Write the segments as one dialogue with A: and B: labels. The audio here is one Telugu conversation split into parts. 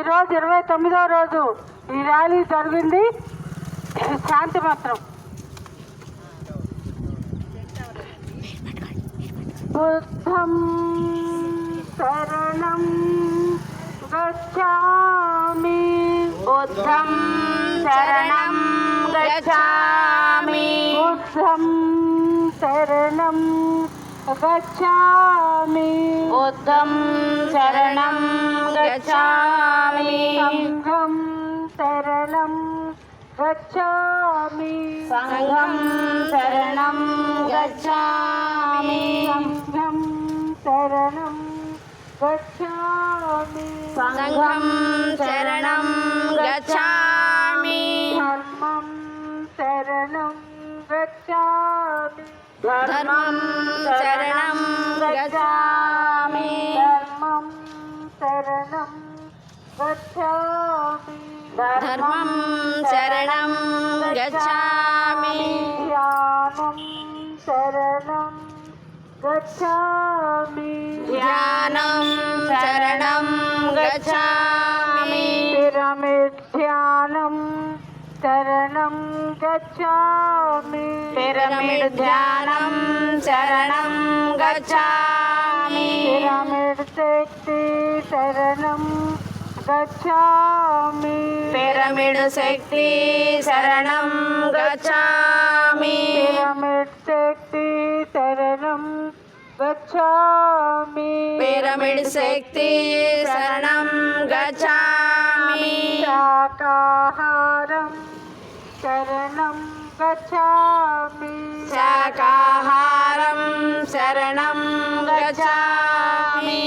A: ఈరోజు 29వ రోజు ఈ ర్యాలీ జరిగింది. శాంతి మంత్రం బుద్ధం శరణం గచ్ఛామి,
B: బుద్ధం శరణం గచ్ఛామి,
A: బుద్ధం శరణం గచ్ఛామి,
B: బుద్ధం శరణం గచ్ఛామి,
A: సంఘం శరణం గచ్ఛామి,
B: సంఘం శరణం గచ్ఛామి,
A: సంఘం శరణం గచ్ఛామి,
B: సంఘం శరణం గచ్ఛామి,
A: ధర్మం శరణం గచ్ఛామి,
B: ధర్మం శరణం గచ్ఛామి,
A: ధర్మం శరణం గచ్ఛామి,
B: ధర్మం శరణం గచ్ఛామి,
A: ధ్యానం శరణం గచ్ఛామి,
B: ధ్యానం శరణం గచ్ఛామి,
A: పిరమిడ్ ధ్యానం శరణం గచ్ఛామి,
B: పిరమిడ్ ధ్యానం శరణం గచ్ఛామి,
A: పిరమిడ్ శక్తి శరణం గచ్ఛామి,
B: పిరమిడ్ శక్తి శరణం గచ్ఛామి,
A: పిరమిడ్ శక్తి శరణం గచ్ఛామి,
B: పిరమిడ్ శక్తి శరణం గచ్ఛామి,
A: శాకాహారం శరణం గచ్ఛామి,
B: శాకాహారం శరణం గచ్ఛామి,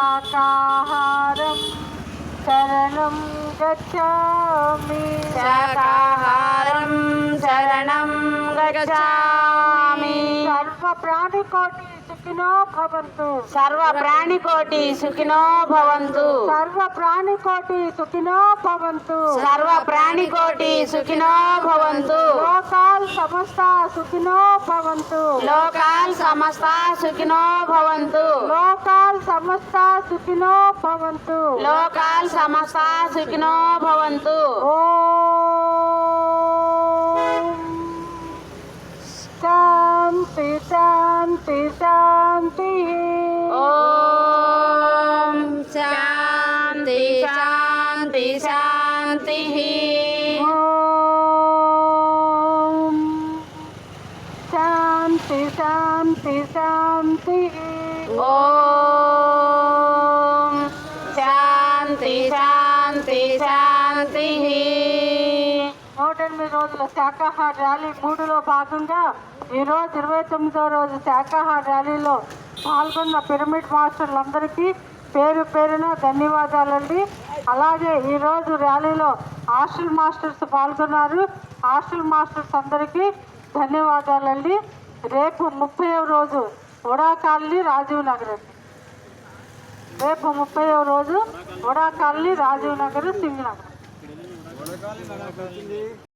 A: శాకాహారం శరణం గచ్ఛామి,
B: శాకాహారం శరణం గచ్ఛామి,
A: సర్వ ప్రాణికోటి సుఖినో భవంతు,
B: సర్వ ప్రాణికోటి సుఖినో భవంతు,
A: సర్వ ప్రాణికోటి సుఖినో భవంతు,
B: సర్వ ప్రాణికోటి సుఖినో భవంతు,
A: లోకాల్ సమస్త సుఖినో భవంతు,
B: లోకాల్ సమస్త సుఖినో భవంతు,
A: లోకాల్ సమస్త సుఖినో భవంతు,
B: లోకాల్ సమస్త సుఖినో భవంతు.
A: ఓం శాంతి శాంతి శాంతి.
B: ఓం శాంతి శాంతి శాంతి.
A: ఓం శాంతి శాంతి శాంతి.
B: ఓం శాంతి శాంతి శాంతి.
A: 108 రోజుల శాకాహార ర్యాలీ 3లో భాగంగా ఈరోజు 29వ రోజు శాకాహార ర్యాలీలో పాల్గొన్న పిరమిడ్ మాస్టర్లందరికీ పేరు పేరున ధన్యవాదాలండి. అలాగే ఈరోజు ర్యాలీలో హాస్టల్ మాస్టర్స్ పాల్గొన్నారు. హాస్టల్ మాస్టర్స్ అందరికీ ధన్యవాదాలండి. రేపు 30వ రోజు వడా కాలనీ రాజీవ్ నగర్ అండి. రేపు 30వ రోజు వడా కాలనీ రాజీవ్ నగర్ సింగ్ నగర్.